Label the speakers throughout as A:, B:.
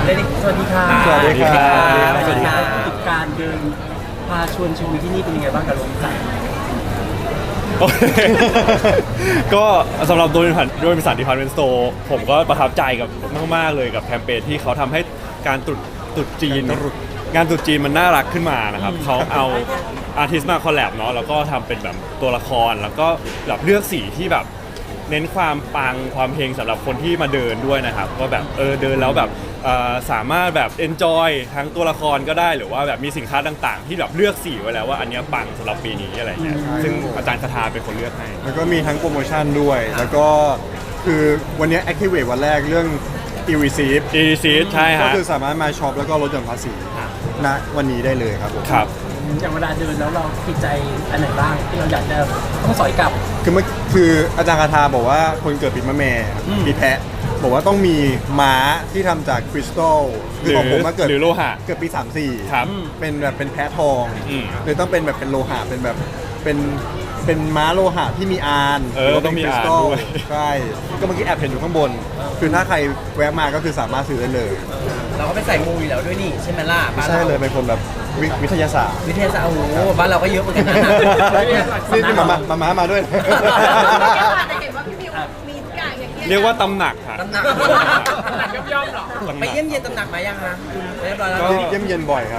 A: สวัสดีค่ะ
B: สวัสดีครับ
A: สวัสดีครับกิจการเดินพาชวนชิมที่นี่เป็นยังไงบ้างกับโรบินสัน
B: ก็สำหรับโดยบริษัทดิพาร์ตเมนต์สโตร์ผมก็ประทับใจกับมากๆเลยกับแคมเปญที่เขาทำให้การตรุษจีนงานตรุษจีนมันน่ารักขึ้นมานะครับเขาเอาอาร์ติสต์มาคอลแลบเนาะแล้วก็ทำเป็นแบบตัวละครแล้วก็แบบเลือกสีที่แบบเน้นความปังความเฮงสำหรับคนที่มาเดินด้วยนะครับก็แบบเดินแล้วแบบสามารถแบบ enjoy ทั้งตัวละครก็ได้หรือว่าแบบมีสินค้าต่างๆที่แบบเลือกสีไว้แล้วว่าอันเนี้ยปังสำหรับปีนี้อะไรเงี้ยซึ่งอาจารย์คาทาเป็นคนเลือกให้
C: แล้วก็มีทั้งโปรโมชั่นด้วย แล้วก็คือวันนี้ Activate วันแรกเรื่อง e-receipt
B: e-receipt ใช่
C: ก็
B: ฮะ
C: คือสามารถมาช็อปแล้วก็ลดหย่อนภาษีณวันนี้ได้เลยครับผม
B: ครับ
A: อย่างเวลาเดินแล้วเราติดใจอันไหนบ้างที่เราอยากจะต้องสอยกลับ
C: คืออาจารย์คาทาบอกว่าคนเกิดปีมะแม่ปีแพะบอกว่าต้องมีม้าที่ทำจากคริสตัลคือของผมมาเกิด
B: หรือโลหะ
C: เกิดปี 34
B: ครับ
C: เป็นแบบเป็นแพะทอง
B: อืม
C: เลยต้องเป็นแบบเป็นโลหะเป็นแบบเป็นม้าโลหะที่มีอาน
B: หรือว่าต้องมีอานด้วย
C: ใช่ก็เมื่อกี้แอบเห็นอยู่ข้างบน คือถ้าใครแวะมาก็คือสามารถซื้อได้เลย
D: เราก็ไปใส่มูอยู่แล้วด้วยนี่ใช่ไหมล่ะบ้าน
C: ใช่
D: เรา
C: เลยเป็นคนแบบวิทยาศาสตร์
D: วิทยาศาสตร์โอ้โหบ้านเราก็เยอะเหมือนกันนะ
C: นี่มาด้วย
E: แต่เห็นว่าพี่มิวมีทุกอย่างอย่างเงี้ย
B: เรียกว่าตำหนักฮะ
D: ตำหนัก
E: ย่อมๆหรอ
B: ตำห
D: ไป
B: นัก
D: เยี่ยมเยียนตำหนักมายังฮะเรียบร้อยแล้ว
B: ก็
C: เยี่ยมเย็นบ่อยครับ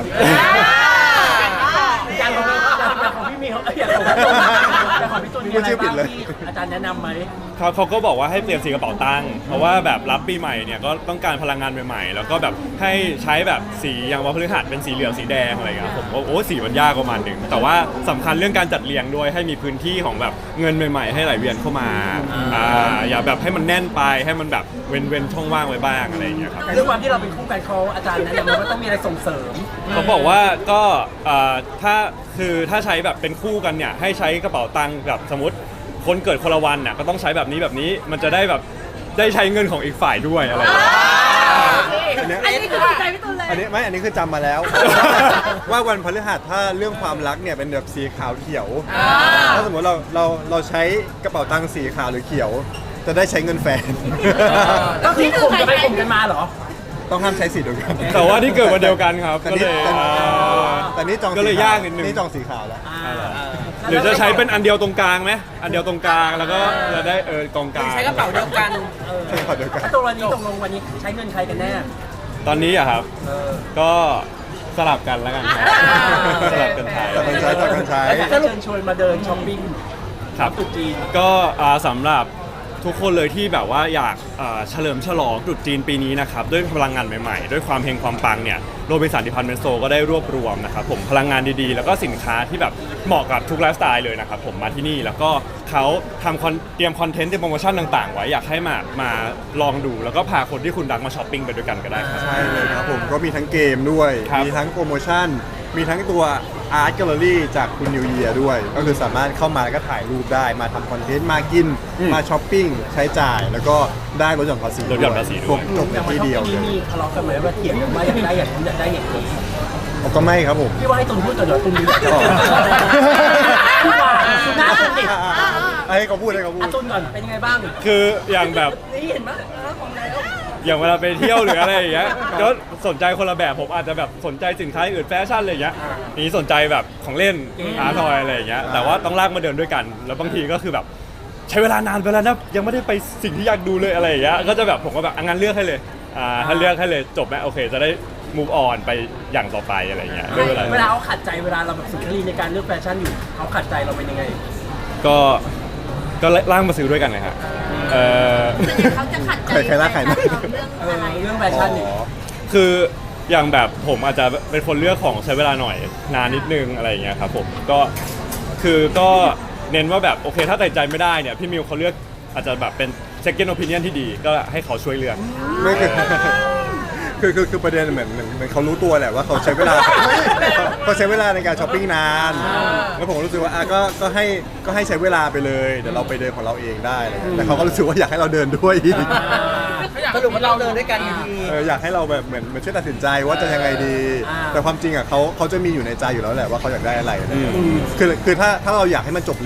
A: อย่างของพี่มิวอย่างของพี่ตูนมีอะไรบ้างที่อาจารย์แนะนำไหม
B: เขาก็บอกว่าให้เปลี่ยนสีกระเป๋าตังค์เพราะว่าแบบรับปีใหม่เนี่ยก็ต้องการพลังงานใหม่ๆ แล้วก็แบบให้ใช้แบบสีอย่างวันพฤหัสเป็นสีเหลืองสีแดงอะไรเงี้ยผมก็สีมันยากประมาณหนึ่งแต่ว่าสำคัญเรื่องการจัดเรียงด้วยให้มีพื้นที่ของแบบเงินใหม่ๆ ให้ไหลเวียนเข้ามาอย่าแบบให้มันแน่นไปให้มันแบบเว้นช่องว่างไว้บ้างอะไรอย่างเงี้ยครับ
A: เรื่องความที่เราเป็นคู่กันเขาอาจารย์แนะนำว่าต้องมีอะไรส่งเสริม
B: เขาบอกว่าก็ถ้าใช้แบบเป็นคู่กันเนี่ยให้ใช้กระเป๋าตังค์แบบสมมติคนเกิดคนละวันน่ะก็ต้องใช้แบบนี้มันจะได้แบบได้ใช้เงินของอีกฝ่ายด้วยอะไรอย่างเงี้ย
E: อันนี้คือถูกใจพี่ตูนเลย
C: อันนี้คือจำมาแล้ว ว่าวันพฤหัสถ้าเรื่องความรักเนี่ยเป็นแบบสีขาวเขียวถ้าสมมติเราใช้กระเป๋าตังค์สีขาวหรือเขียว จะได้ใช้เงินแฟน
A: ก็คือข่มกันไปข่มกันมาเหรอ
C: ต้องห้ามใช้สีเดียวกัน
B: แต่ว่าที่เกิดวันเดียวกันครับ
C: แต่
B: ก็
C: นี่
B: เลย
C: แต่นี่จอง
B: ก็เลย
C: สีขว
B: ยากนิดนึง
C: นี่จองสีขาวแล้ว
B: หรือจะใช้เป็นอันเดียวตรงกลางไหมอันเดียวตรงกลางแล้วก็จะได้กองกลาง
D: ใช้กระเป๋าเดียวกัน
C: ใช้กระเป๋าเดียวกัน
A: ถ้าตัววันนี้ตกลงวันนี้ใช้เงินใครกันแน่
B: ตอนนี้อะครับก็สลับกันแล้วกันครับสลับกันใช้
C: สลับกันใช้
A: แล้วอยากจะเชิญชวนมาเดินช้อปปิ้ง
B: ครับ
A: ตรุษจีน
B: ก็สำหรับทุกคนเลยที่แบบว่าอยากเฉลิมฉลองตรุษจีนปีนี้นะครับด้วยพลังงานใหม่ๆ ด้วยความเฮงความปังเนี่ยโรบินสันดิพาร์ตเมนต์สโตร์ก็ได้รวบรวมนะครับผมพลังงานดีๆ แล้วก็สินค้าที่แบบเหมาะกับทุกไลฟ์สไตล์เลยนะครับผมมาที่นี่แล้วก็เขาเตรียมคอนเทนต์เตรียมโปรโมชั่นต่างๆ ไว้อยากให้มาลองดูแล้วก็พาคนที่คุณรักมาช้อปปิ้งไปด้วยกันก็ได้ครับ
C: ใช่เลยครับผมก็มีทั้งเกมด้วย
B: ครับ
C: มีทั้งโปรโมชั่น มีทั้งตัวอาร์ตแกลเลอรี่จากคุณนิวเยียด้วย ก็คือสามารถเข้ามาแล้วก็ถ่ายรูปได้ มาทำคอนเทนต์ มากิน มาช้อปปิ้ง ใช้จ่าย แล้วก็ได้ลดหย่อนภาษี
B: ลดหย่อนภาษีด้วย
C: ครบจบในที่เดียว
A: อ
C: เล
A: ย่าง
C: ย
A: มีทะเลาะกันไหมว่าเถียงกันว่าอยากได้อย่างนี้อยากได้อย่างนี้
C: ก็ไม่ครับผม
A: พี่ว่าให้ตุนพูดก่อนเดี๋ยวตุนดีกว่า
C: อ๋อ
A: พี่ว่าหน้าตุนติด
C: ให้เขาพูดให้เขาพูด
A: ตุนก่อนเป็นยังไงบ้าง
B: คืออย่างแบบ
A: นี่เห็นไหมของแล้ว
B: อย่างเวลาไปเที่ยวหรืออะไรอย่างเงี้ยก็สนใจคนละแบบผมอาจจะแบบสนใจสินค้าอื่นแฟชั่นอะไรอย่างเงี้ยนี่สนใจแบบของเล่นอาร์ทอยอะไรอย่างเงี้ยแต่ว่าต้องลากมาเดินด้วยกัน แล้วบางทีก็คือแบบใช้เวลานานไปแล้วนะยังไม่ได้ไปสิ่งที่อยากดูเลยอะไรอย่างเงี้ยก็จะแบบผมก็แบบงั้นเลือกให้เลยถ้าเลือกให้เลยจบไหมโอเคจะได้ move on ไปอย่างต่อไปอะไรอย่างเงี้ยด้วยเวลา
A: เวลาเขาขัดใจเวลาเราแบบสุนทรีในการเลือกแฟชั่นอยู่เขาขัดใจเราเป็นยังไง
B: ก็ล่างมาซื้อด้วยกันเลยฮะ
E: ส่วนใหญ่เขาจะขัดใจ
C: ใครล่าใครนะ
E: เรื่องอะไร
A: เรื่องแฟชั่นเนี่ย
B: คืออย่างแบบผมอาจจะเป็นคนเลือกของใช้เวลาหน่อยนานนิดนึงอะไรอย่างเงี้ยครับผมก็เน้นว่าแบบโอเคถ้าตัดใจไม่ได้เนี่ยพี่มิวเขาเลือกอาจจะแบบเป็น second opinion ที่ดีก็ให้เขาช่วยเลือก
C: ไม่คือประเด็นเหมือนเขารู้ตัวแหละว่าเขาใช้เวลา เขาใช้เวลาในการช้อปปิ้งนานแล้วผมก็รู้สึกว่าก็ให้ใช้เวลาไปเลยเดี๋ยวเราไปเดินของเราเองได้อะไรเงี้ยแต่เขาก็รู้สึกว่าอยากให้เราเดินด้วยอีก
D: สรุปว่าเราเดินด้วยกันอยู่ดี
C: อยากให้เราแบบเหมือนช่วยตัดสินใจว่าจะยังไงดี แต่ความจริงอ่ะเขาจะมีอยู่ในใจอยู่แล้วแหละว่าเขาอยากได้อะไรคือถ้าเราอยากให้มันจบเร็วอ่ะ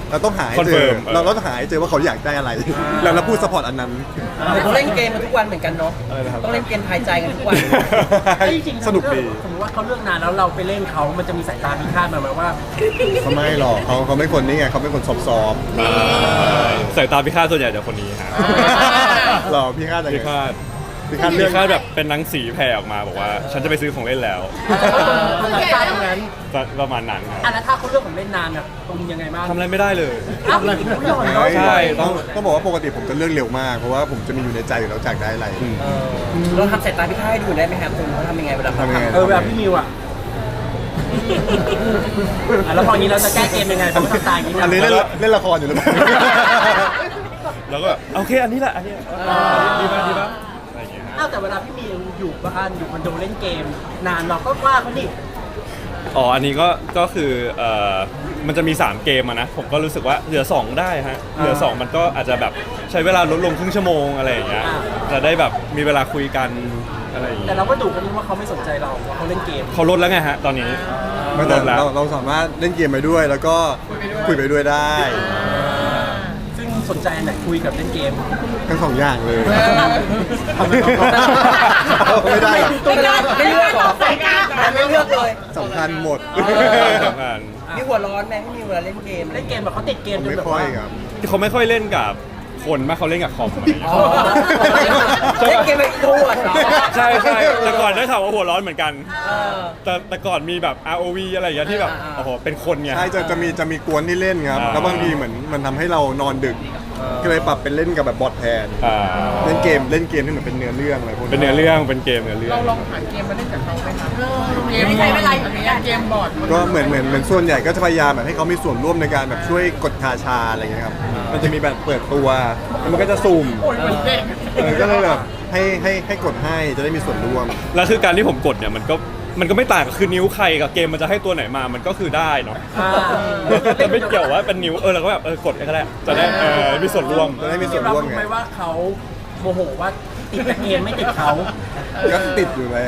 C: เราต้องหาให้เจอ
B: Confirm
C: เราต้องหาให้เจอว่าเขาอยากได้อะไร แล้วเราพูดซัพพอร์ตอันนั้น
D: ต้องเล่นเกมกันทุกวันเหมือนกันเนาะ
C: อะไรนะครับ
D: ต้องเล่นเกมทายใจกันทุกวัน
A: จริงๆ
C: สนุกดี
A: สมมติว่าเขาเลือกนานแล้วเราไปเล่นเขามันจะมีสายตาพิฆาตมาไหมว่า
C: เขาไม่หรอกเขาไม่คนนี้ไงเขาเป็นคนซอฟต์
B: สายตาพิฆาตส่วนใหญ่จะคนนี้ฮะ
C: ๆหรอพี่คาดยัง
B: พิ
C: ไง
B: ฆาต
C: พี่คาด
B: พิ
C: เรื่อง
B: ฆาตแบบเป็นหนังสีแผ่ออกมาบอกว่า ฉันจะไปซื้อของเล่นแล้ว
A: มันสายตาตรงนั้น
B: ประมาณนั้นครับ
A: อ่ะแล้วถ้าเขาเลือกของเล่นนานอ่ะตรงยังไงบ้าง
B: ทำอะไรไม่ได้เลย
A: อ้าวไม่ยอมเนาะ
B: ใช่
C: ต้องบอกว่าปกติผมจะเลือกเร็วมาก เพราะว่าผมจะมีอยู่ในใจอยู่แล้วจากได้อะไร
D: เราทำสายตาพิฆาตให้ดูได้ไหมครับคุณเขาทำยังไงเวลาเขา
C: ทำยังไง
A: เออแบบพี่มิวอ่ะอ่ะแล้วพออย่างนี้เราจะแก้เกมยังไงเพราะว่าตายอย่างนี้
C: อันนี้
A: นะ
C: เล่นละครอยู่หรือเปล่า
B: แล้วก็แบบโอเคอันนี้แหละอันนี้ดีมากอะไรอย่างเงี้ยฮะ
A: อ้าวแต่เวลาพี่มิวอยู่บ้านอยู่คอนโดเล่นเกม นานเราก็ว่าเขานี่
B: อ๋ออันนี้ก็คือมันจะมี3เกมอะนะผมก็รู้สึกว่าเหลือ2ได้ฮะเหลือ2มันก็อาจจะแบบใช้เวลาลดลงครึ่งชั่วโมงอะไรอย่างเงี้ยจะได้แบบมีเวลาคุยกันอะไรอย่าง
A: แต่
B: เงี้ย
A: เราก็ดูกันว่าเขาไม่สนใจเราว่าเขาเล่นเกม
B: เขาลดแล้วไงฮะตอนนี้
C: ไม่
B: ล
C: แต่
B: ดแล้ว
C: เราสามารถเล่นเกมไปด้วย แล้วก็คุยไปด้วยได้
A: ซึ่งสนใจอันไหนคุยกับเล่นเกม
C: ทั้งสองอย่างเลยไม่ได้หรอก
D: ไม่เลือกหรอไม่เลือกเลย
C: สำคัญหมด
B: สำคัญ
D: มีหัวร้อนไหมไม่มีเวลาเล่นเกม
A: เล่นเกมแบบเขาติดเกมจน
C: ไม่
A: แบบ
C: ค่อย
A: ว่า
C: ครับ
B: เขาไม่ค่อยเล่นกับคนมากเขาเล่นกับคอมอะไรอย่างเงี้ย
D: อ๋อเล่นเกมแบบอินโทรเวิร์ดเหรอ
B: ใช่แต่ก่อนได้ข่าวว่าหัวร้อนเหมือนกัน แต่ก่อนมีแบบ ROV อะไรอย่างเงี้ยที่แบบโอ้โหเป็นคนไง
C: ใช่จะมีกวนที่เล่นครับ
B: อ่า
C: แล้วบางทีเหมือนมันทำให้เรานอนดึก ก็เลยปรับเป็นเล่นกับแบบบอทแทน
B: อ่า
C: เล่นเกมที่เหมือนเป็นเนื้อเรื่องอะไรพวกนี้
B: เป็นเนื้อเรื่องเป็นเกมเนื้อเรื่อง
F: เราลองหาเกมมาเล่นกับเขาไหมคะ
E: ไม่ใช้เวลาอยู่ในการ
F: เกมบอร์ด
C: ก็เหมือนส่วนใหญ่ก็จะพยายามแบบให้เขามีส่วนร่วมในการแบบช่วยกดคาชาอะไรอย่างเงี้ยครับ มันจะมีแบบเปิดตัวแล้วมันก็จะสุ่ม
F: โอ้ยเหมือนเด็ก
C: ก็เลยแบบให้กดให้จะได้มีส่วนร่วม
B: แล้วคือการที่ผมกดเนี่ยมันก็ไม่ต่างกับคือนิ้วใครกับเกมมันจะให้ตัวไหนมามันก็คือได้เนาะ
A: อ่า
B: จะไม่เกี่ยวว่าเป็นนิ้วเราก็แบบกดก็ได้จะได้มีส่วนร่วม
C: จะได้มีส่วนร่วมไง
A: ไหมว่าเขาโมโหว่าติดแต่เกมไม่ติดเขา
C: ก็ติดอยู่แล้ว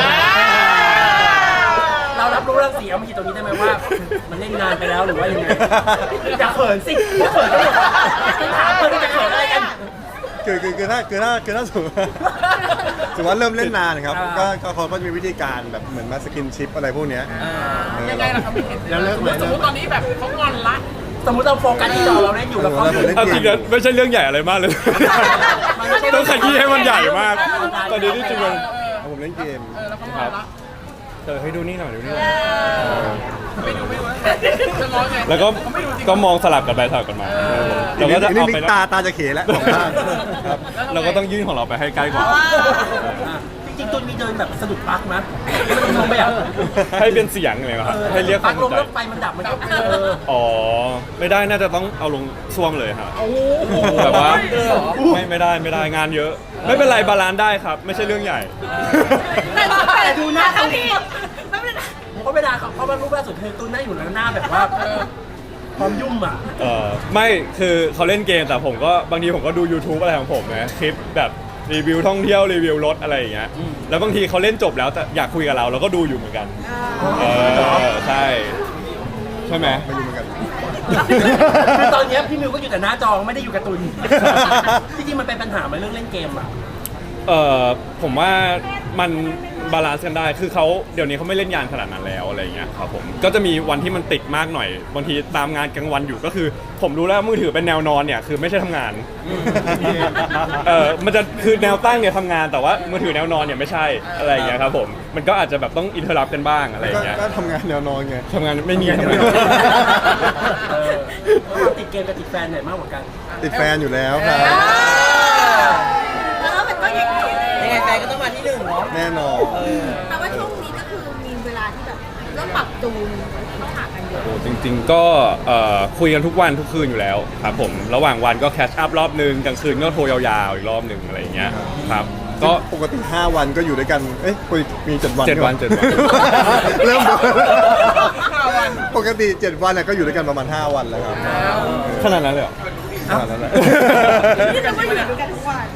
A: เรารับรู้เรื่องเสียงเมื่อกี้ตรงนี้ได้ไหมว่า มันเล่นนานไปแล้วหรือว่ายังไงอย่าเขินสิอย่าเขินก็ถามเพื่อนจะเขินอะไรกัน
C: คือถ้าสมมติว่าเริ่มเล่นนานครับก็เขาก็จะมีวิธีการแบบเหมือนมาสกินชิปอะไรพวกเนี้ย
F: ยังไงล่ะครับพี่เห็น
C: แล้วเลิกไหม
F: สมมติตอนนี้แบบเขางอนละ
A: สมมติเราโฟกัสที่จอเราเล่นอยู่แล้วเขาอยู่
B: เอาจริงนะไม่ใช่เรื่องใหญ่อะไรมากเลย ต้องขยี้ให้มันใหญ่มาก ตอนนี้ที่จริงมัน
C: ผมเล่นเกม
F: แล้วเขางอนละ
B: ให้ดูนี่หน่อยดูนี่หน่อย
F: ไม่ดูจะร้อนไง
B: แล้วก็มองสลับกันไปสลับกันมาเราก็จะ
C: นี่
B: เอาไป
C: ตาจะเขแล้วของข้างครับ
B: เราก็ต้องยื่นของเราไปให้ใกล้กว่า
A: จริงๆตุนมีเดินแบบสะดุดปลั๊กมั้ยมันลงไปอ่ะ
B: ให้เป็นเสียงเลยครับให้เรียกค
A: ปลั๊
B: วาก ม
A: ล
B: ส
A: ง
B: นใจ
A: แล้วไฟมันดับมันก็
B: อ๋อไม่ได้น่าจะต้องเอาลงซ่วมเลยครับ
A: โอ้โห
B: แบบว่าไม่ได้งานเยอะ ไม่เป็นไรบาลานซ์ได้ครับ ไม่ใช่เรื่องใหญ่
A: แต่ดูหน้าเขา
E: พี่ไม่เป็นไร
A: เพราะเวลาเขามารูปล่าสุดคือตุนหน้าอยู่แล้วหน้าแบบว่าพร้อมยุ่มอ่ะ
B: ไม่คือเขาเล่นเกมแต่ผมก็บางทีผมก็ดู YouTube อะไรของผมนะคลิปแบบรีวิวท่องเที่ยวรีวิวรถอะไรอย่างเงี้ยแล้วบางทีเขาเล่นจบแล้วแต่อยากคุยกับเราก็ดูอยู่เหมือนกันใช่ไหม
C: ไม่รู้เหมือนกัน
A: คือตอนเนี้ยพี่มิวก็อยู่แต่หน้าจอไม่ได้อยู่กับตุนจริงๆมันเป็นปัญหาไหมเรื่องเล่นเกมอ่ะ
B: ผมว่ามันบาลานซ์กันได้คือเขาเดี๋ยวนี้เขาไม่เล่นยานขนาดนั้นแล้วอะไรอย่างเงี้ยครับผมก็จะมีวันที่มันติดมากหน่อยบางทีตามงานกลางวันอยู่ก็คือ ผมรู้แล้วมือถือเป็นแนวนอนเนี่ยคือไม่ใช่ทำงานมันจะคือแนวตั้งเนี่ยทำงานแต่ว่ามือถือแนวนอนเนี่ยไม่ใช่อะไรอย่างเงี้ยครับผมมันก็อาจจะแบบต้องอินเทอร์รับกันบ้างอะไรอย่างเงี้ย
C: ก็ทำงานแนวนอนไง
B: ทำงานไม่มีทำงาน
A: ติดเกมกับติดแฟนไหนมากกว่ากัน
C: ติดแฟนอยู่แล้วครับ
E: แล้วมันก็อย่างนี้
D: ยังไงแฟนก็ต้องมาที่หนึ่งเนาะ
C: แน่นอน
E: แต่ว่าช่วงนี้ก็คือมีเวลาที่แบบเริ่มปรับจูนห่างกันเยอะ
B: โอ้จริงๆก็คุยกันทุกวันทุกคืนอยู่แล้วครับผมระหว่างวันก็แคชอัพรอบนึงกลางคืนก็โทรยาวๆอีกรอบนึงอะไรอย่างเงี้ยครับก็
C: ปกติ5 วันก็อยู่ด้วยกัน เอ้ยมี7 วัน
B: 7 วัน 7 วัน
C: เริ่มปกติ7 วันน่ะก็อยู่ด้วยกันประมาณ5 วันแล้วครับ
B: ขนาดนั้นเลยเหรอ
C: ขนาดนั้นแหละ
E: นี่จะไม่อยู่ด้วยกันทุกวัน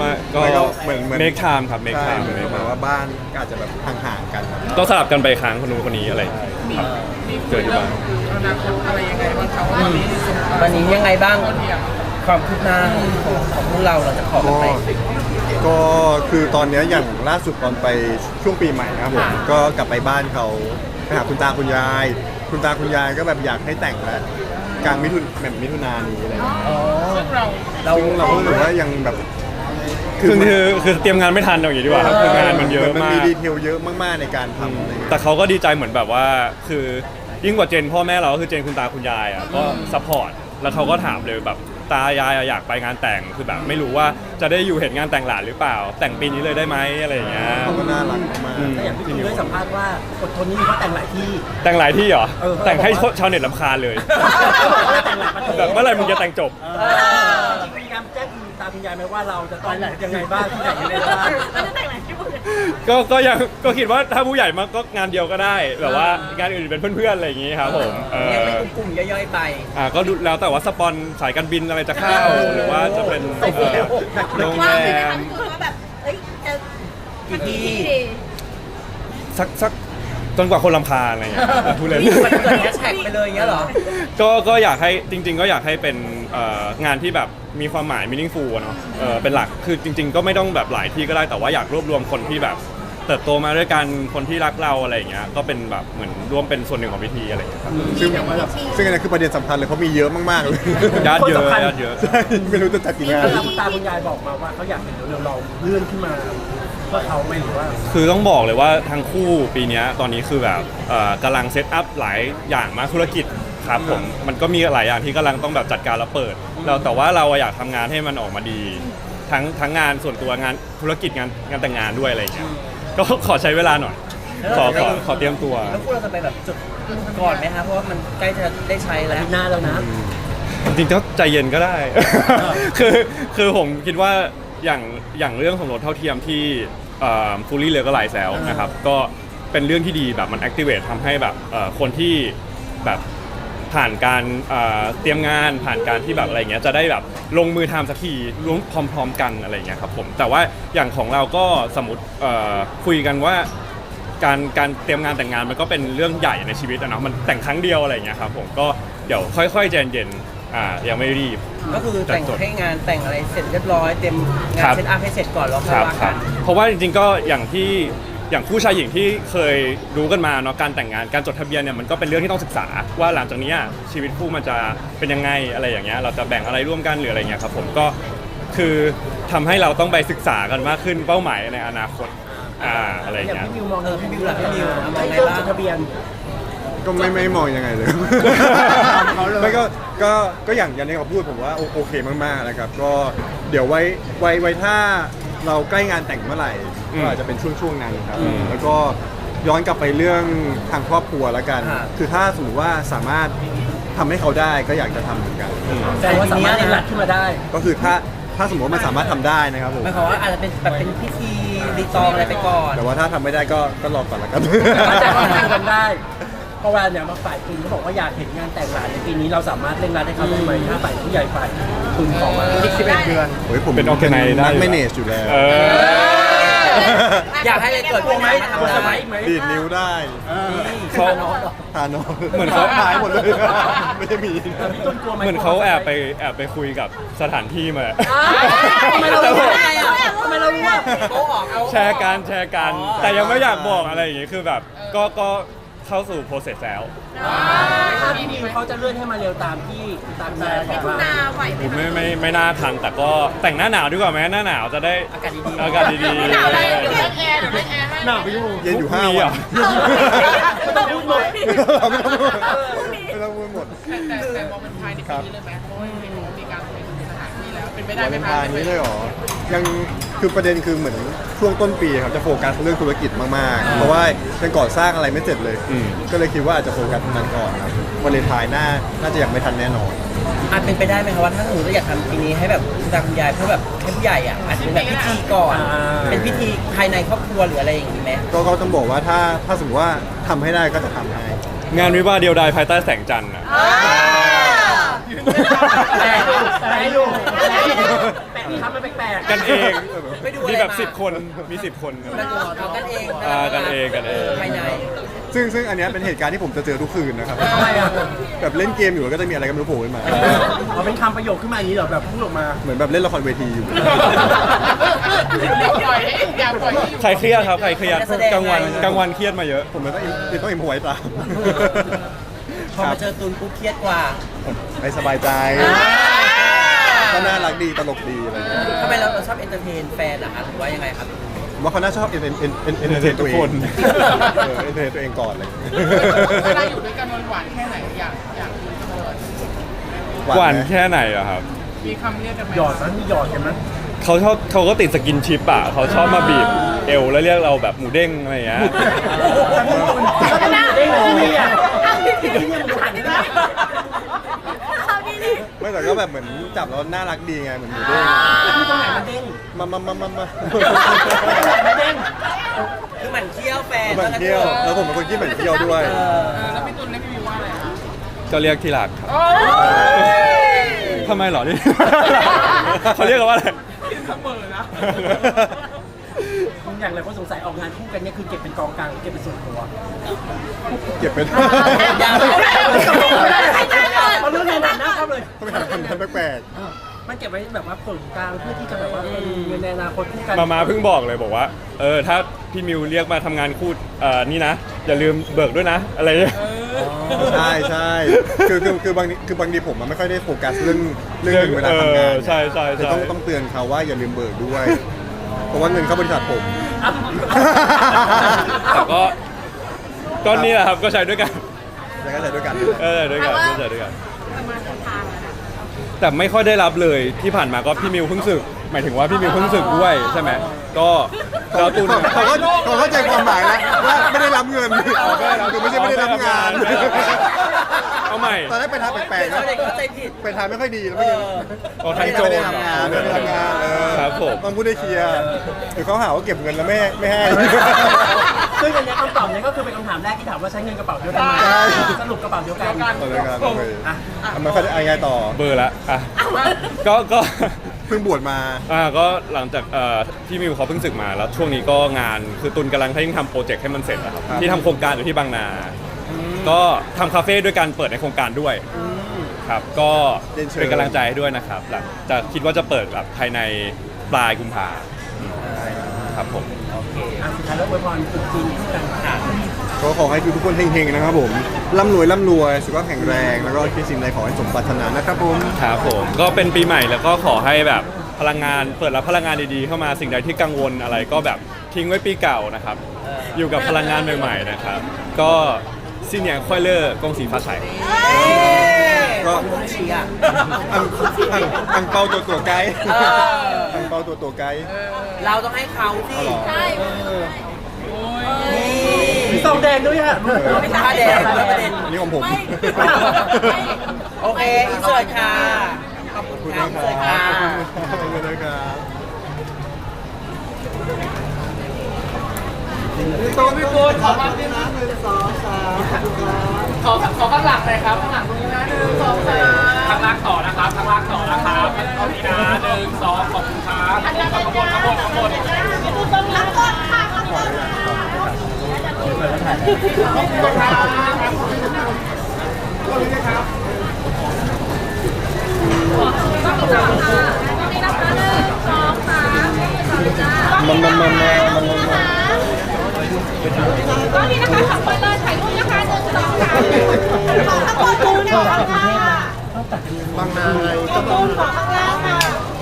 B: ก็
C: แล้วก็เหมือน
B: make time ครับ make
C: ใช่
B: time
C: เหมือนว่าบ้านก็อาจจะแบบห่างๆกันครับ
B: ต้องสลับกันไปค้างคนนู้นคนนี้อะไรอย่างเงี้ยครับเจอที่บ้าน
F: อนาคตอะไรยังไงบ้างครับวันนี้
D: วันนี้ยังไงบ้าง
F: ก็เทียม
D: ความคืบหน้าของพวกเราจะขอกันไป
C: ก็คือตอนเนี้ยอย่างล่าสุดตอนไปช่วงปีใหม่นะครับผมก็กลับไปบ้านเขาไปหาคุณตาคุณยาย คุณตาคุณยายก็แบบอยากให้แต่งแล้วกลางมิถุนายนนี้อะไรอย่างเงี้ย
F: ซึ่งเรา
C: ซึ่งเราก็รู้สึกว่ายังแบบ
B: คือเตรียมงานไม่ทันเอาอย่างนี้ดีกว่าครับคืองานมันเยอะ
C: มัน
B: มา
C: มี
B: ก
C: ดีเทลเยอะมากๆในการทำอะไรอย่างเงี้ย
B: แต่เขาก็ดีใจเหมือนแบบว่าคือยิ่งกว่าเจนพ่อแม่เราก็คือเจนคุณตาคุณยายอ่ะก็ซัพพอร์ตแล้วเขาก็ถามเลยแบบตายายอยากไปงานแต่งคือแบบไม่รู้ว่าจะได้อยู่เห็นงานแต่งหลานหรือเปล่า แต่งปีนี้เลยได้ไหมอะไรอย่างเงี้ย
C: เขาก็น่ารักมาก
A: แต่อย่างพี่คุณได้สัมภาษณ์ว่าอดทนนี่เขาแต่งหลายที่
B: แต่งหลายที่เหรอ
A: เออ
B: แต่งให้ชาวเน็ตรำคาญเลย
A: แต่งหลายประเทศ
B: แบบเมื่อไหร่มึงจะแต่งจบ
A: จริงๆมีการแจ้งคุณตาคุณยายไหมว่าเราจะต้องยังไงบ้างที่ไหนยังไงบ้าง
E: เราจะแต่งหลายชุดเลย
B: ก็ยังก็คิดว่าถ้าผู้ใหญ่มาก็งานเดียวก็ได้แบบว่างานอื่นเป็นเพื่อนๆอะไรอย่างงี้ครับผม
D: เรียกเป็นกลุ่มๆย่อยๆไป
B: ก็ดูแล้วแต่ว่าสปอนสายการบินอะไรจะเข้าหรือว่าจะเป็นโรง
E: ว่า
B: แร
E: เลยนะคะ
B: ม
E: พี่ตูนว่าแบบเอ้ยจะ
D: กี่ที่
E: ดี
B: สักจนกว่าคนรำคาญอะไรอย่างเงี้ยพูดเลย
D: มันเกิดแฮชแท็กไปเลยอย่างเงี้ยเหรอ
B: ก็อยากให้จริง ๆ ก็อยากให้เป็นงานที่แบบมีความหมาย meaningful อะเนาะเป็นหลักคือจริง ๆ ก็ไม่ต้องแบบหลายที่ก็ได้แต่ว่าอยากรวบรวมคนที่แบบเติบโตมาด้วยกันคนที่รักเราอะไรอย่างเงี้ยก็เป็นแบบเหมือนร่วมเป็นส่วนหนึ่งของพิธีอะไรอย่างเงี้ยครับ
C: ๆซึ่งอันนี้คือประเด็นสำคัญเลยเพราะมีเยอะมากๆเลย
B: ญาติเยอะ
A: คนสำคัญ
B: ญาติเยอะ
C: ใช่ไม่รู้จะจัดกี่งาน
A: คุณตาคุณยายบอกมาว่าเขาอยากเห็นเราเลื่อนขึ้นมาเพื่อเขาไหมหรือว่า
B: คือต้องบอกเลยว่าทั้งคู่ปีเนี้ยตอนนี้คือแบบกำลังเซตอัพหลายอย่างมากธุรกิจครับผมมันก็มีหลายอย่างที่กำลังต้องแบบจัดการแล้วเปิดเราแต่ว่าเราอยากทำงานให้มันออกมาดี ทั้งงานส่วนตัวงานธุรกิจงานแต่งงานด้วยอะไรอย่างเงี้ยก็ขอใช้เวลาหน่อยขอเตรียมตัว
D: แล้วพวกเราจะไปแบบจุดก่อนไหมคะเพราะว่ามันใกล้จะได้ใช้แล้ว
A: อาทิตย์หน้าแล้วนะ
B: จริงๆก็ใจเย็นก็ได้ คือผมคิดว่าอย่างเรื่องของรถเท่าเทียมที่ฟูลี่เลยก็หลายแซวนะครับก็เป็นเรื่องที่ดีแบบมัน activate ทำให้แบบคนที่แบบผ่านการเตรียมงานผ่านการที่แบบอะไรเงี้ยจะได้แบบลงมือทำสักทีร่วมพร้อมๆกันอะไรเงี้ยครับผมแต่ว่าอย่างของเราก็สมมติคุยกันว่าการเตรียมงานแต่งงานมันก็เป็นเรื่องใหญ่ในชีวิตอะเนาะมันแต่งครั้งเดียวอะไรเงี้ยครับผมก็เดี๋ยวค่อยๆใจเย็นยังไม่รีบ
D: ก็คือแต่งให้งานแต่งอะไรเสร็จเรียบร้อยเต็มงา
B: ครั
D: น
B: บ
D: เซตอัพให้เสร็จก่อนแล้วค่
B: ค
D: อย
B: รับ
D: ว่า
B: ค
D: กั
B: รับ
D: น
B: เพราะว่าจริงๆก็อย่างคู่ชายหญิงที่เคยรู้กันมาเนาะการแต่งงานการจดทะเบียนเนี่ยมันก็เป็นเรื่องที่ต้องศึกษาว่าหลังจากนี้ชีวิตคู่มันจะเป็นยังไงอะไรอย่างเงี้ยเราจะแบ่งอะไรร่วมกันหรืออะไรเงี้ยครับผมก็คือทำให้เราต้องไปศึกษากันมากขึ้นเป้าหมายในอนาคตอะไรอย่าง
A: อย่าง
B: เงี้ย
A: พี่มิวมอง
D: พี่มิวล่ะพี่มิวมอง
A: ให้
D: ไง
A: เริ่ม
D: บ้าง
A: จดทะเบียน
C: ก็ไม่มองยังไงเลย ไม่ก็อย่างที่เขาพูดผมว่าโอเคมากๆนะครับก็เดี๋ยวไว้ถ้าเราใกล้งานแต่งเมื่อไหร่ก็อาจจะเป็นช่วงนั้นครับแล้วก็ย้อนกลับไปเรื่องทางครอบครัวแล้วกัน คือถ้าสมมติว่าสามารถทำให้เขาได้ก็อยากจะทำเหมือนกัน
A: แต่ว่าสามารถเล่นหลักขึ้นมาได้
C: ก็คือถ้าสมมติว่ามันสามารถทำได้นะครับผม
D: หมายความว่าอาจจะเป็นแบบเป็นพิธีรีตองอะไรไปก่อน
C: แต่ว่าถ้าทำไม่ได้ก็รอก่อนละกัน
A: แต่ว่าทำกันได้เพราะว่าเนี่ยมาฝ่ายคุณเขาบอกว่าอยากเห็นงานแต่งหลานในปีนี้เราสามารถเร่งรัดให้เขาได้ไหมถ้าฝ่ายผู้ใหญ่ฝ่ายคุณขอมาอีก11 เดือน
C: โอ้ยผม
B: เป็น organize ได้
C: นัก
B: อยู่
C: แมเนจอยู่แล้ว
D: อยากให้เลยเกิด
A: กลัวไหมกลัว
D: ทำ
A: ไหม
D: ได้
C: ดีดนิ้วได้
B: เขา
C: ทานอน
B: เหมือนเขา
C: หายหมดเลย ไม่ได้มี
A: พี่ต้นกลัวไหม
B: เหมือนเขาแอบไปคุยกับสถานที่มา
A: ทำไมเรารู้ว่าทำไมเรารู้ว่า
D: โป๊ะออกเอา
B: แชร์กันแต่ยังไม่อยากบอกอะไรอย่างงี้คือแบบก็เข้าสู่ process แล้ว
A: ถ้าพี่มิวเขาจะเลื่อนให้มาเร็วตามที่ตามใจข
E: มิ
A: อง
E: ถุ
A: เรา
E: นาไหวไหม
B: ผมไม่น่าทันแต่ก็แต่งหน้าหนาวดีกว่าไหมหน้าหนาวจะได้
D: อากาศดีๆ
B: อากาศดี
E: หนาวอะไร
F: เดี๋ยวเล่นแอร์ให้
A: หนาวไปอยู่
C: เย็นอยู่
B: พรุ่ง
C: 5
B: นี้
C: วั
B: เหร
C: น
B: อ
A: ไม่ต้องพูดหมด
C: ไม่ต้องพูดหมด
F: แต่มองเป็นภายในปีนี้เลยไหมเพราะว่าเห็นว่ามีการไปถึงสถานที่แล้วเป็นไปได้
C: วา
F: ไห
C: เล
F: ม
C: น
F: คะ
C: ไทน์นี้เลยเหรอ ยังคือประเด็นคือเหมือนช่วงต้นปีครับจะโฟกัสเรื่องธุรกิจมากๆ เพราะว่ายังก่อสร้างอะไรไม่เสร็จเลย ก็เลยคิดว่าอาจจะโฟกัสตรงนั้นก่อนครับวาเลนไทน์น่าจะยังไม่ทันแน่นอน
D: อาจเป็นไปได้ไหมคะว่าถ้าสมมติเราอยากทำปีนี้ให้แบบคุณตาคุณยายเพื่อแบบให้ผู้ใหญ่อ่ะอาจจะเป็นแบบพิธีก่อน เป็นพิธีภายในครอบครัวหรืออะไรอย่างนี้ไหม
C: ก็ต้องบอกว่าถ้าสมมติว่าทำให้ได้ก็จะทำให้
B: งานวิวาห์เดียวดายภายใต้แสงจันทร์อ่ะ
A: แต่อยู่ครับมันแปลกๆ
B: กันเอง
D: ไปดูอะไร
B: มีแบบ
D: มา
B: 10 คนมี10 คนครับ
D: เอากันเอง
B: กันเองกันเอง
D: ภายใน
C: ซึ่งอันเนี้ยเป็นเหตุการณ์ที่ผมจะเจอทุกคืนนะครับ
A: ทำไมอ่ะ
C: แบบเล่นเกมอยู่แล้วก็จะมีอะไรก็ไม่รู้โผล่ขึ้นมา
A: เอาเป็นคำประโยคขึ้นมาอย่างนี้เหรอแบบพูดออกมา
C: เหมือนแบบเล่นละครเวทีอยู่
F: อย่าปล่อยให้อย่าปล่อยให้อยู่
B: ใครเครียดครับใครเครียดกลางวันเครียดมาเยอะ
C: ผมเลยต้องอิมพอไว้ตาม
D: พอมาเจอตูนปุ๊บเครียดกว่า
C: ให้สบายใจก็น่ารักดีตลกดีอะไรอย่างเงี้ย
D: ทำไมเราชอบเอนเตอร์เทนแฟนอะคะหรือว่ายังไงครับ
C: ผมว่าเขาน่าชอบเอนเตอร์เทนตัวเอง
B: ทุกคน
C: เอนเตอร์เทนตัวเองก่อนเลย
F: เวลาอยู่ด้วยกันหวานๆแค่ไหนอยากคุยกันเลย
B: หวาน
C: ไหม
B: แค่ไหนอะครับ
F: มีคำเรียกกันไหม
A: หยอดมั้ยมีหยอดกันมั้ย
B: เขาก็ติดสกินชิปอะเขาชอบมาบีบเอวแล้วเรียกเราแบบหมูเด้งอะไรอย่างเงี้ย
A: ก็ต้องมีเด้งที่นี่อ่ะที่นี่มันหันได้
E: เอาดีดิ
C: ไม่แต่ก็แบบเหมือนจับแล้วน่ารักดีไงเหมือนหมูเด้ง
A: ที่ตรงไหนมันเด้ง
C: มา
A: มันเด้ง
D: คือหมั่นเที่ยวแฟน
C: เหมือนเที่ยวแล้วผมเป็นคนที่เหมือนเที่ยวด้วย
F: แล้วพี่ตุลเรียกพี่วิวว่าอะไรคะ
B: ก็เรียกที่รักครับ
F: โอ้ย
B: ทำไมเหรอนี่ เขาเรียกกันว่าอะไร
F: เสมอนะ
A: อย่างไรคนสงสัยออกงานคู่กันเนี่ยคือเก็บเป็นกองกลางเก็บเป็นส่วนตัว
C: เก็บเป็น
D: ยาว
A: เอาเรื่องงานหนักนะครับเลย
C: ต้องไปหาคำนั้นแปลก
A: มันเก็บไว้แบบว่าส่วนกลางเพื่อที่จะแบบว่าเงินในอนาคตคู่กัน
B: มาเพิ่งบอกเลยบอกว่าถ้าพี่มิวเรียกมาทำงานคู่นี่นะ อย่าลืมเบิกด้วยนะ อะไรอย่างเงี้ย
C: ๆใช่คือบางทีผมมันไม่ค่อยได้โฟกัสเรื่องเงินเวลาทำงาน
B: ใช่ใช่
C: คือ
B: ใช่
C: ต้องเตือนเขาว่าอย่าลืมเบิกด้วย เพราะว่าเงินเข้าบริษัทผม
B: แต่ก็นี่แหละครับก็ใช้ด้วยกัน
C: แล้วก็ใช้ด้วยกัน
B: ด้วยกันใช้ด้วยกัน
E: ประมาณทางอะนะ
B: แต่ไม่ค่อยได้รับเลยที่ผ่านมาก็พี่มิวเพิ่งสึกหมายถึงว่าพี่มิวเพิ่งสึกด้วยใช่ไหมก็เราตุน
C: เขาเข้าใจความหมายแล้วว่าไม่ได้รับเงินคือไม่ใช่ไม่ได้รับงาน
B: เอาใหม่
C: ตอนแรกไปทางแปลกๆ
D: เขา
C: นะ
D: เด็กเข้าใจผิด
C: ไปทางไม่ค่อยดีแล้วไม่
B: ออกทางโจร
C: ได้ทำงานไม่ได้ทำงาน
B: ครับผม
C: ต้องพูดได้เคลียร์เดี๋ยวเขาหาว่าเก็บเงินแล้วไม่ให้
A: ซึ่งอันเนี้ยคำตอบเนี้ยก็คือเป็นคำถามแรกที่ถามว่าใช้เงินกระเป๋าเดียวกันไหม
C: ใช่
A: สรุปกระเป๋าเดียวกัน
C: เอาเลยครับโอเค
A: อ่ะ
C: มันเขาจะยังไงต่อ
B: เบอร์ละอ่ะก็
C: เพิ่งบวชมา
B: ก็หลังจากพี่มิวเขาเพิ่งศึกมาแล้วช่วงนี้ก็งานคือตุนกำลังให้ทำโปรเจกต์ให้มันเสร็จนะครับ
C: ครับ
B: ที่ทำโครงการอยู่ที่บางนา ก็ทำคาเฟ่ด้วยการเปิดในโครงการด้วยครับก็
C: เรียนเชิญ
B: เป็นกำลังใจให้ด้วยนะครับหลังจะคิดว่าจะเปิดแบบภายในปลายกุมภาครับผม
A: อ่ะสุดท้ายแล้วอวยพรตรุษจีนคู่กันค่ะ
C: ก็ขอให้ทุกคนเฮงๆนะครับผมร่ำรวยสุขภาพแข็งแรงแล้วก็คิดสิ่งใดขอให้สมปรารถนานะครับผม
B: ครับผมก็เป็นปีใหม่แล้วก็ขอให้แบบพลังงานเปิดรับพลังงานดีๆเข้ามาสิ่งใดที่กังวลอะไรก็แบบทิ้งไว้ปีเก่านะครับ อยู่กับพลังงานใหม่ๆนะครับ ก็ซินเนียค่อยเลอร์กงสีฟ้าใส
C: ก็
D: ต้องเชียร์
C: อังเปาตัวไกด์
D: เออ
C: อังเปาตัวไกด์
D: เราต้องให้เขาสิ
C: เอาเหรอ
E: ใช่
D: นี่
A: มีซองแดงด้วยอ่ะ
D: ไม่ใช่ผ้าแดงด้วยประเด็น
C: อันนี้ของผม
E: ไม่
D: โอเคอินเสิร์ตค่ะ ขอบคุณค่ะอินเสิร์ตค่ะ
C: ขอบคุณนะครับ
F: ขอข้างหลังเลยครับข้างหลังตรงนี้นะ1 2 3ข้างล่างต่อนะครับข้างล่างต่อนะครับตรงนี้นะ1 2ขอบคุณครับข้างบน
E: รับกดค่ะรับกด
C: มัน
E: ก็นี่นะคะขับไปเลยถ่ายรูปนะคะ1 2 3ขอข้างบนตูนขอข้างล่างค่ะ
C: บางนาไง
E: ขอตูนขอข้างล่างค่ะ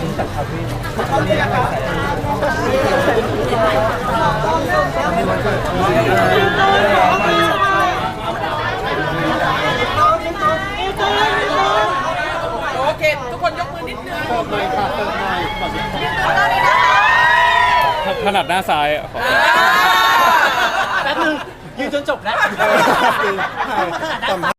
F: โอเค ทุกคนยกมือนิดนึง
B: ถนัดหน้าซ้ายอะขอ
A: แป๊บนึงยืนจนจบแล้ว
C: สัมภาษณ์